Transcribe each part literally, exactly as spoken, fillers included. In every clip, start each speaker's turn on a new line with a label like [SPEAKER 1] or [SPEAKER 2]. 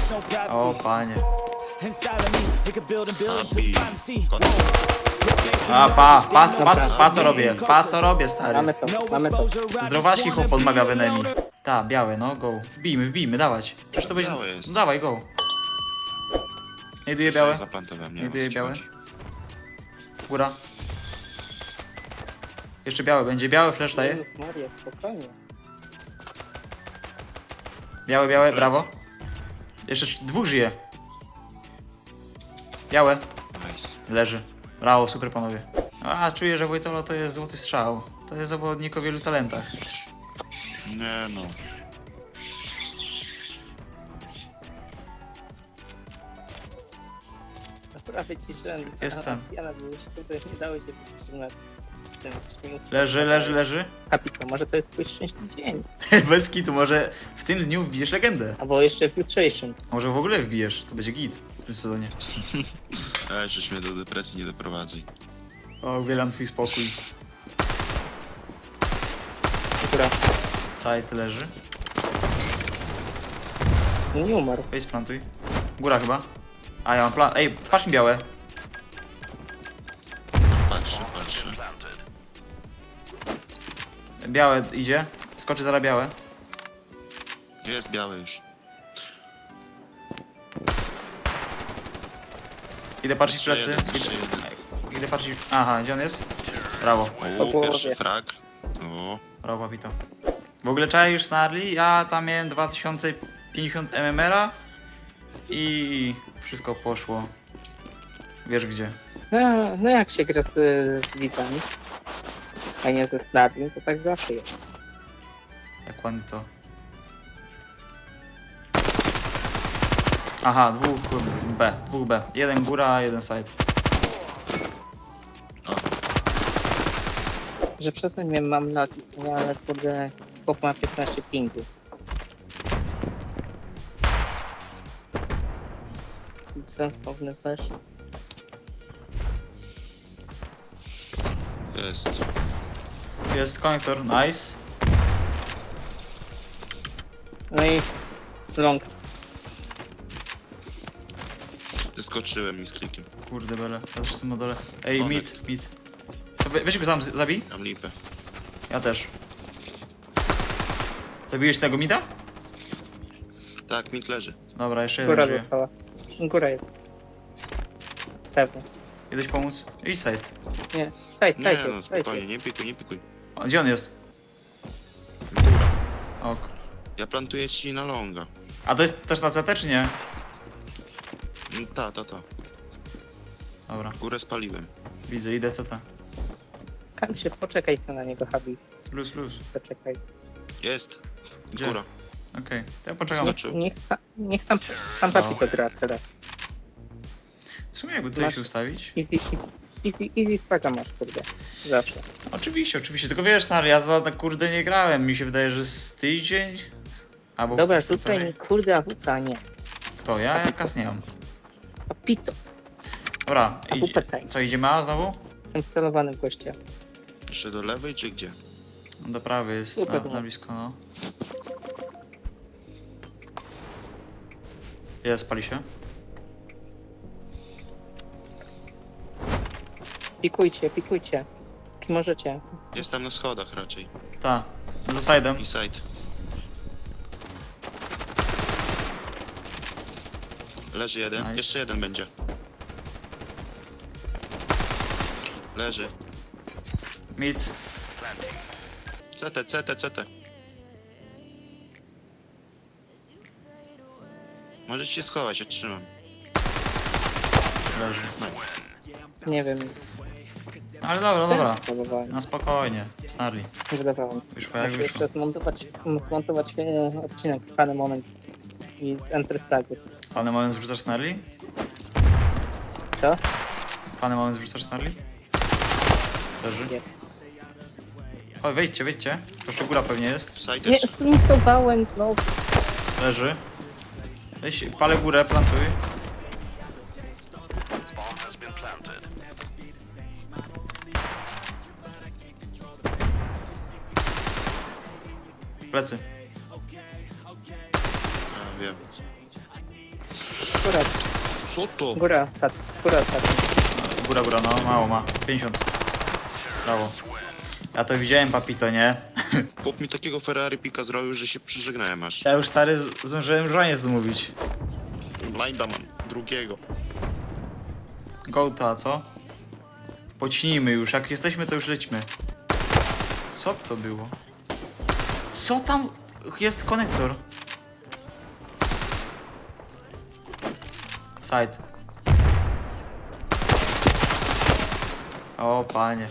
[SPEAKER 1] O panie.
[SPEAKER 2] Abi.
[SPEAKER 1] A pa, pa, pa, pa, pa co robię, pa co robię stary.
[SPEAKER 3] Mamy to, mamy to.
[SPEAKER 1] Zdrowaśki chłop odmawia w enemy. Ta, białe, no go. Wbijmy, wbijmy, dawać. Przecież to będzie...
[SPEAKER 2] Białe jest.
[SPEAKER 1] No dawaj, go. Znajduję białe.
[SPEAKER 2] Zaplantowałem, nie
[SPEAKER 1] Znajduję
[SPEAKER 2] wiem, o co ci
[SPEAKER 1] białe.
[SPEAKER 2] chodzi.
[SPEAKER 1] Góra. Jeszcze białe, będzie białe, flash daje.
[SPEAKER 3] Jezus Maria, spokojnie.
[SPEAKER 1] Białe, białe, brawo. Jeszcze trz- dwóch żyje. Białe.
[SPEAKER 2] Nice.
[SPEAKER 1] Leży. Brawo, super panowie. A, czuję, że Wojtolo to jest złoty strzał. To jest zawodnik o wielu talentach.
[SPEAKER 2] Nie no.
[SPEAKER 3] Akurat wyciszyłem.
[SPEAKER 1] Jest ten.
[SPEAKER 3] Jana były szkoły, nie dało się wytrzymać. Ten śmiech.
[SPEAKER 1] Leży, leży, leży.
[SPEAKER 3] Kapito, może to jest twój szczęśliwy dzień.
[SPEAKER 1] Bez kitu, może w tym dniu wbijesz legendę.
[SPEAKER 3] Albo jeszcze filtration.
[SPEAKER 1] Może w ogóle wbijesz, to będzie git w tym sezonie.
[SPEAKER 2] Ej, żeś mnie do depresji nie doprowadzaj.
[SPEAKER 1] O, wielam twój spokój.
[SPEAKER 3] Która
[SPEAKER 1] Side leży.
[SPEAKER 3] nie umarł.
[SPEAKER 1] Weź splantuj. Góra chyba. A ja mam plan. Ej, patrz mi białe.
[SPEAKER 2] Patrzę, patrzę.
[SPEAKER 1] Białe idzie. Skoczy zaraz białe.
[SPEAKER 2] Jest biały już.
[SPEAKER 1] Idę patrzeć
[SPEAKER 2] Jeszcze
[SPEAKER 1] plecy.
[SPEAKER 2] jeden, jeszcze
[SPEAKER 1] Idę,
[SPEAKER 2] jeden.
[SPEAKER 1] idę patrzeć. Aha, gdzie on jest? Brawo.
[SPEAKER 3] Po
[SPEAKER 2] O,
[SPEAKER 3] głowie.
[SPEAKER 2] pierwszy frag. O,
[SPEAKER 1] Brawo, papito. W ogóle czaisz Snarli? Ja tam miałem dwa tysiące pięćdziesiąt M M R-a i wszystko poszło. Wiesz gdzie.
[SPEAKER 3] No, no jak się gra z, z widzami, a nie ze snarnym, to tak zawsze jest.
[SPEAKER 1] Jak ładnie to. Aha, dwóch B, dwóch B. Jeden góra, jeden side.
[SPEAKER 3] Że przestań mnie mam na nie, ale kurde, chłop ma piętnaście pingu. Sensowny też.
[SPEAKER 2] jest.
[SPEAKER 1] Jest konektor, nice.
[SPEAKER 3] No i long.
[SPEAKER 2] Zeskoczyłem mi z klikiem.
[SPEAKER 1] Kurde bele, ja też jestem na dole. Ej,
[SPEAKER 2] Konek.
[SPEAKER 1] mid, mid. To we, weź go tam, z- zabij.
[SPEAKER 2] Mam lipę.
[SPEAKER 1] Ja też. Zabiłeś tego mida?
[SPEAKER 2] Tak, mit leży.
[SPEAKER 1] Dobra, jeszcze jeden
[SPEAKER 3] Góra
[SPEAKER 1] żyje.
[SPEAKER 3] została. Góra jest. Pewnie.
[SPEAKER 1] Idziesz pomóc? Idź side.
[SPEAKER 3] Nie, staj,
[SPEAKER 2] Nie
[SPEAKER 3] staj,
[SPEAKER 2] no,
[SPEAKER 3] staj.
[SPEAKER 2] spokojnie, nie pikuj, nie pikuj.
[SPEAKER 1] O, gdzie on jest?
[SPEAKER 2] Góra.
[SPEAKER 1] Ok.
[SPEAKER 2] Ja plantuję ci na longa.
[SPEAKER 1] A to jest też na C T czy nie?
[SPEAKER 2] Mm, Ta, ta, ta.
[SPEAKER 1] Dobra,
[SPEAKER 2] Górę spaliłem.
[SPEAKER 1] widzę, idę C T.
[SPEAKER 3] Kam się, poczekaj sobie na niego, Habi.
[SPEAKER 1] Luz, luz.
[SPEAKER 3] Poczekaj.
[SPEAKER 2] Jest.
[SPEAKER 1] Gdzie?
[SPEAKER 2] Góra.
[SPEAKER 1] Okej, to ja poczekam.
[SPEAKER 2] Skoczył.
[SPEAKER 3] Niech, sa, niech sam, sam
[SPEAKER 1] No.
[SPEAKER 3] Papi to gra teraz.
[SPEAKER 1] W sumie jakby tutaj
[SPEAKER 3] Masz-
[SPEAKER 1] się ustawić.
[SPEAKER 3] Easy, easy, easy, easy fraga masz, kurde. Zawsze.
[SPEAKER 1] Oczywiście, oczywiście, tylko wiesz, stary, ja to tak kurde nie grałem. Mi się wydaje, że z tydzień. Albo
[SPEAKER 3] Dobra,
[SPEAKER 1] półtorej.
[SPEAKER 3] rzucaj mi kurde awuta, nie.
[SPEAKER 1] To ja, ja kas nie mam.
[SPEAKER 3] Papito.
[SPEAKER 1] Dobra,
[SPEAKER 3] A
[SPEAKER 1] idzie,
[SPEAKER 3] pytaj.
[SPEAKER 1] co idziemy A znowu?
[SPEAKER 3] Jestem celowany w gościa.
[SPEAKER 2] Jeszcze do lewej czy gdzie?
[SPEAKER 1] No do prawej jest,
[SPEAKER 3] Super,
[SPEAKER 1] na, na
[SPEAKER 3] no.
[SPEAKER 1] blisko, no. Jest, pali się.
[SPEAKER 3] Pikujcie, pikujcie. Jak możecie.
[SPEAKER 2] Jest tam na schodach raczej.
[SPEAKER 1] Ta, za side'em.
[SPEAKER 2] I side. Leży jeden.
[SPEAKER 1] Nice.
[SPEAKER 2] Jeszcze jeden będzie. Leży.
[SPEAKER 1] Mid.
[SPEAKER 2] C T, C T, C T. Możecie się schować, ja trzymam.
[SPEAKER 1] Leży.
[SPEAKER 2] Nice.
[SPEAKER 3] Nie wiem.
[SPEAKER 1] Ale dobra, dobra.
[SPEAKER 3] Celowałem.
[SPEAKER 1] Na spokojnie, Snarli.
[SPEAKER 3] Nie wydawało mi.
[SPEAKER 1] Wyszło jak
[SPEAKER 3] Muszę
[SPEAKER 1] wyszło.
[SPEAKER 3] jeszcze zmontować, zmontować e, odcinek z Funny Moments i z Enter Flagu.
[SPEAKER 1] Fany moment wrzucasz Snarli?
[SPEAKER 3] Co?
[SPEAKER 1] Fany moment wrzucasz Snarli? Leży.
[SPEAKER 3] Jest.
[SPEAKER 1] Oj, wejdźcie, wejdźcie. Jeszcze góra pewnie jest.
[SPEAKER 2] Side
[SPEAKER 3] Nie,
[SPEAKER 2] jeszcze.
[SPEAKER 3] zmisowałem znowu.
[SPEAKER 1] Leży. Weź, palę górę, plantuj. Plecy.
[SPEAKER 2] A, wiem.
[SPEAKER 3] góra,
[SPEAKER 2] Co to?
[SPEAKER 3] góra, stat, góra, stat.
[SPEAKER 1] Góra, góra, no mało ma. pięćdziesiąt. Brawo. Ja to widziałem, papito, nie?
[SPEAKER 2] Chłop mi takiego Ferrari pika zrobił, że się przyżegnałem aż.
[SPEAKER 1] Ja już stary z- zdążyłem żonie zmówić.
[SPEAKER 2] Blinda mam, drugiego.
[SPEAKER 1] Gołta, co? Pocznijmy już, jak jesteśmy to już lećmy. Co to było? Co tam? Jest konektor. Side. O panie.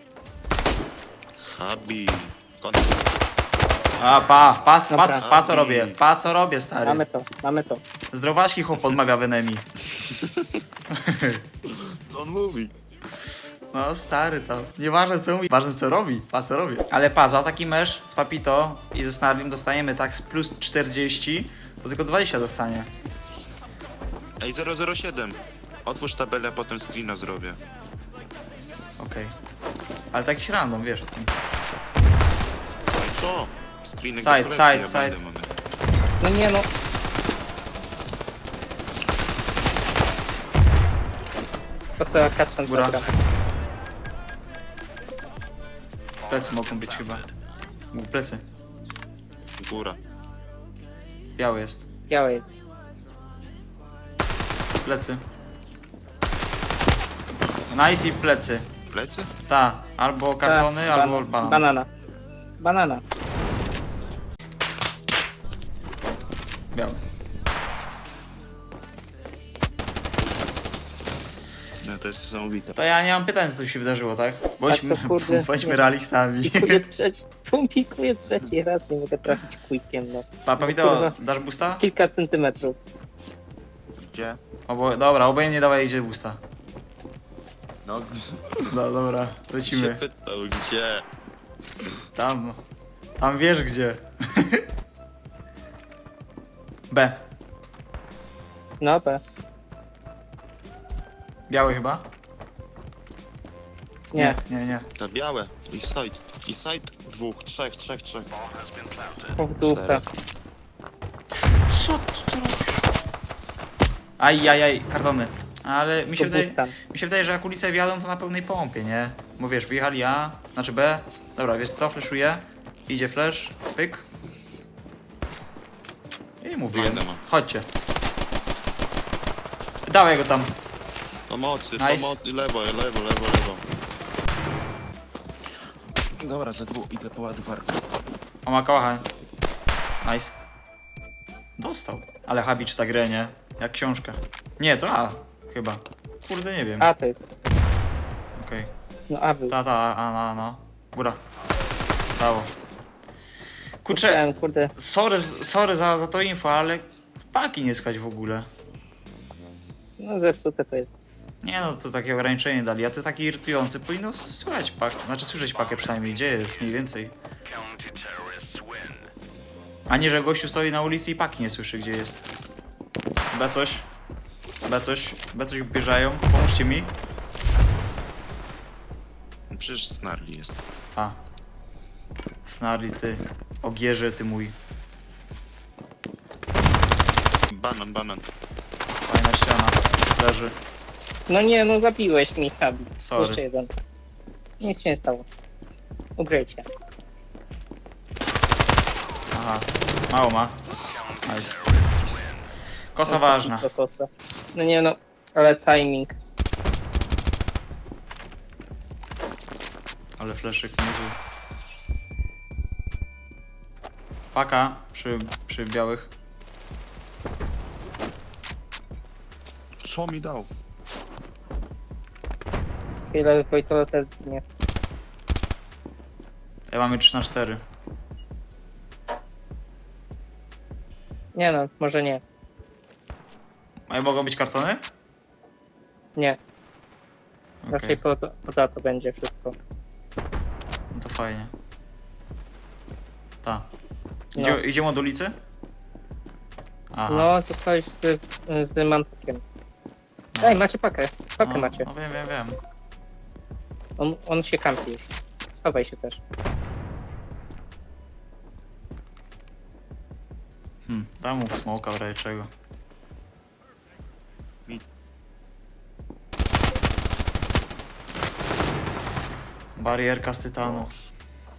[SPEAKER 2] Habi. Kontakt.
[SPEAKER 1] A pa, pa, pa,
[SPEAKER 3] Dobra.
[SPEAKER 1] pa co robię, pa co robię stary.
[SPEAKER 3] Mamy to, mamy to.
[SPEAKER 1] Zdrowaśki chłop odmawia w enemy.
[SPEAKER 2] Co on mówi?
[SPEAKER 1] No stary tam, nieważne co mówi, ważne co robi, pa co robię. Ale pa, za taki mecz z Papito i ze Snarlim dostajemy tak z plus czterdzieści, to tylko dwadzieścia dostanie.
[SPEAKER 2] Ej, zero zero siedem. Otwórz tabelę, a potem screena zrobię.
[SPEAKER 1] Okej. Ale taki random, wiesz o tym.
[SPEAKER 2] No i co? Screenek
[SPEAKER 1] Side,
[SPEAKER 2] do kolekcji,
[SPEAKER 1] side,
[SPEAKER 2] ja
[SPEAKER 1] side.
[SPEAKER 2] będę mamy.
[SPEAKER 3] No nie no. To sobie kaczem
[SPEAKER 1] Góra.
[SPEAKER 3] zagram.
[SPEAKER 1] Plecy mogą być chyba. Mógł plecy.
[SPEAKER 2] Góra.
[SPEAKER 1] Biały jest.
[SPEAKER 3] Białe jest.
[SPEAKER 1] Plecy. Nice i plecy.
[SPEAKER 2] Plecy?
[SPEAKER 1] Ta, albo kartony,
[SPEAKER 3] Ta,
[SPEAKER 1] albo
[SPEAKER 3] bana-
[SPEAKER 1] banan.
[SPEAKER 3] Banana. Banana.
[SPEAKER 1] Biały.
[SPEAKER 2] No to jest niesamowite.
[SPEAKER 1] To ja nie mam pytań, co tu się wydarzyło, tak? Bądźmy,
[SPEAKER 3] to kurde,
[SPEAKER 1] bądźmy
[SPEAKER 3] nie.
[SPEAKER 1] realistami.
[SPEAKER 3] Pikuję trzeci, pikuję trzeci raz, nie mogę trafić quikiem, no.
[SPEAKER 1] Papa, wideo,
[SPEAKER 3] Kurwa.
[SPEAKER 1] dasz boosta?
[SPEAKER 3] Kilka centymetrów.
[SPEAKER 2] Gdzie?
[SPEAKER 1] Obo, dobra, obojętnie dawaj idzie boosta.
[SPEAKER 2] No,
[SPEAKER 1] No dobra,
[SPEAKER 2] się
[SPEAKER 1] lecimy.
[SPEAKER 2] pytał, gdzie?
[SPEAKER 1] Tam. Tam wiesz gdzie. B.
[SPEAKER 3] No B.
[SPEAKER 1] Biały chyba?
[SPEAKER 3] Nie.
[SPEAKER 1] Nie, nie.
[SPEAKER 2] Te białe. I side. I side. Dwóch, trzech, trzech, trzech.
[SPEAKER 3] O, w dupę.
[SPEAKER 2] Cztery.
[SPEAKER 1] Co tu robisz? Aj, aj, aj, kartony. Ale mi się,
[SPEAKER 3] To
[SPEAKER 1] wydaje,
[SPEAKER 3] bustan.
[SPEAKER 1] mi się wydaje, że jak ulice wjadą, to na pełnej pompie, nie? Bo wiesz, wyjechali A, znaczy B. Dobra, wiesz co, flashuje. Idzie flash, pyk. I mówiłem.
[SPEAKER 2] Blinda ma.
[SPEAKER 1] Chodźcie. Dawaj go tam.
[SPEAKER 2] Pomocy,
[SPEAKER 1] Nice.
[SPEAKER 2] pomocy. Lewo, lewo, lewo, lewo. Dobra, za dwóch idę po ładowarkę.
[SPEAKER 1] O, ma kałacha. Nice. Dostał. Ale Habi czyta grę, nie? Jak książkę. Nie, to A. Chyba. Kurde, nie wiem.
[SPEAKER 3] A to jest.
[SPEAKER 1] Okej.
[SPEAKER 3] No A był.
[SPEAKER 1] Ta, ta, a, no, no. Góra. Brawo. Kurczę,
[SPEAKER 3] Myślałem, kurde.
[SPEAKER 1] sorry, sorry za, za to info, ale paki nie skać w ogóle.
[SPEAKER 3] No zepsute to jest.
[SPEAKER 1] Nie no, to takie ograniczenie dali, a to taki irytujący. Powinno słychać pak, znaczy słyszeć pakę przynajmniej, gdzie jest mniej więcej. A nie, że gościu stoi na ulicy i paki nie słyszy, gdzie jest. B coś. B coś. B coś bieżają. Pomóżcie mi.
[SPEAKER 2] No przecież Snarli jest.
[SPEAKER 1] A. Snarli ty. Ogierze ty mój.
[SPEAKER 2] Banan, banan.
[SPEAKER 1] Fajna ściana. Leży.
[SPEAKER 3] No nie, no zabiłeś mi, Habi.
[SPEAKER 1] Sorry.
[SPEAKER 3] Jeszcze jeden. Nic się nie stało. Ugrajcie.
[SPEAKER 1] Aha. Mało ma. Nice. Kosa ważna.
[SPEAKER 3] Do kosa. No nie no, ale timing.
[SPEAKER 1] Ale fleszyk niezły. Paka przy, przy białych.
[SPEAKER 2] Co mi dał?
[SPEAKER 3] Chwilę Wojtola też zginie.
[SPEAKER 1] Ja mamy trzy na cztery.
[SPEAKER 3] Nie no, może nie.
[SPEAKER 1] A mogą być kartony?
[SPEAKER 3] Nie.
[SPEAKER 1] Okej,
[SPEAKER 3] Raczej po, to- poza to będzie wszystko.
[SPEAKER 1] no to fajnie. Ta.
[SPEAKER 3] No.
[SPEAKER 1] Idzie, Idziemy od ulicy? Aha.
[SPEAKER 3] No, to coś z, z mantakiem. Ej, macie pakę. Pakę
[SPEAKER 1] no,
[SPEAKER 3] macie.
[SPEAKER 1] No wiem, wiem, wiem.
[SPEAKER 3] On, on się kampi już. Schowaj się też.
[SPEAKER 1] Hmm, dam mu smoka w razie czego. Barierka z tytanu.
[SPEAKER 2] Boż.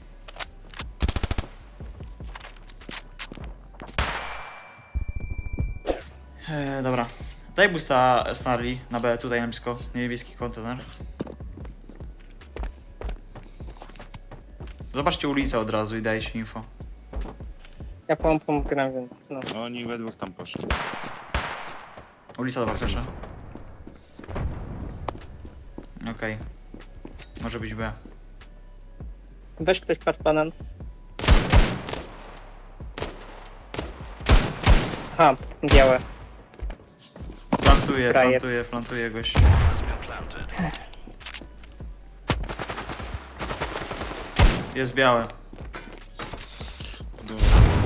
[SPEAKER 1] Eee, dobra. Daj boosta Snarly na B, tutaj na blisko. Niebieski kontener. Zobaczcie ulicę od razu i dajcie info.
[SPEAKER 3] Ja pompą gram, więc no.
[SPEAKER 2] No, oni we dwóch tam poszli.
[SPEAKER 1] Ulica dobra, proszę. Okej. Może być B.
[SPEAKER 3] Weź ktoś patrz banan. Aha, białe.
[SPEAKER 1] Plantuje,
[SPEAKER 3] Frajer.
[SPEAKER 1] plantuje, plantuje gość. Jest białe.
[SPEAKER 2] Dobra.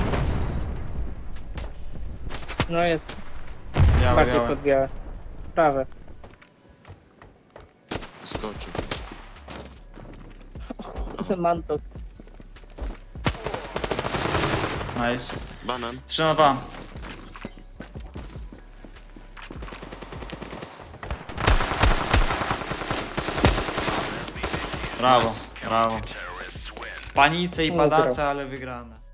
[SPEAKER 3] No jest
[SPEAKER 1] Białe,
[SPEAKER 3] bardziej
[SPEAKER 1] białe.
[SPEAKER 3] pod białe. Prawe.
[SPEAKER 2] Skoczył.
[SPEAKER 3] Manto.
[SPEAKER 1] Nice.
[SPEAKER 2] Banan.
[SPEAKER 1] trzy na dwa. Brawo,
[SPEAKER 2] Nice.
[SPEAKER 1] brawo. W panice i
[SPEAKER 3] Dobra.
[SPEAKER 1] padace, ale wygrane.